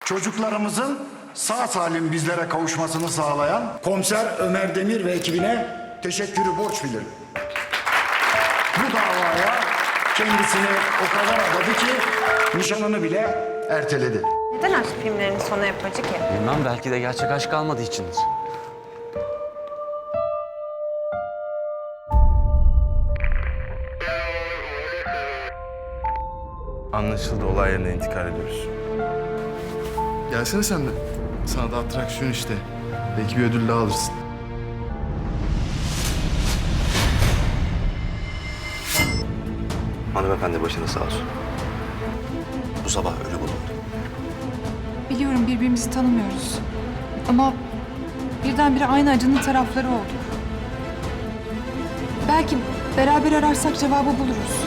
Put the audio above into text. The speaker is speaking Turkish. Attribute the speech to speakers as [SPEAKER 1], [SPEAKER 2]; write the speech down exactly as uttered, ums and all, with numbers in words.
[SPEAKER 1] Çocuklarımızın sağ salim bizlere kavuşmasını sağlayan Komiser Ömer Demir ve ekibine teşekkürü borç bilirim. Bu davaya kendisini o kadar adadı ki nişanını bile erteledi.
[SPEAKER 2] Neden aşk filmlerinin sonu hep acı ki?
[SPEAKER 3] Bilmem, belki de gerçek aşk kalmadığı içindir.
[SPEAKER 4] Anlaşıldı, olay yerine intikal ediyoruz. Gelsene sen de. Sana da atraksiyon işte. Belki bir ödül daha alırsın.
[SPEAKER 5] Hanımefendi başınız sağ olsun. Bu sabah ölü bulundu.
[SPEAKER 6] Biliyorum birbirimizi tanımıyoruz. Ama birdenbire aynı acının tarafları olduk. Belki beraber ararsak cevabı buluruz.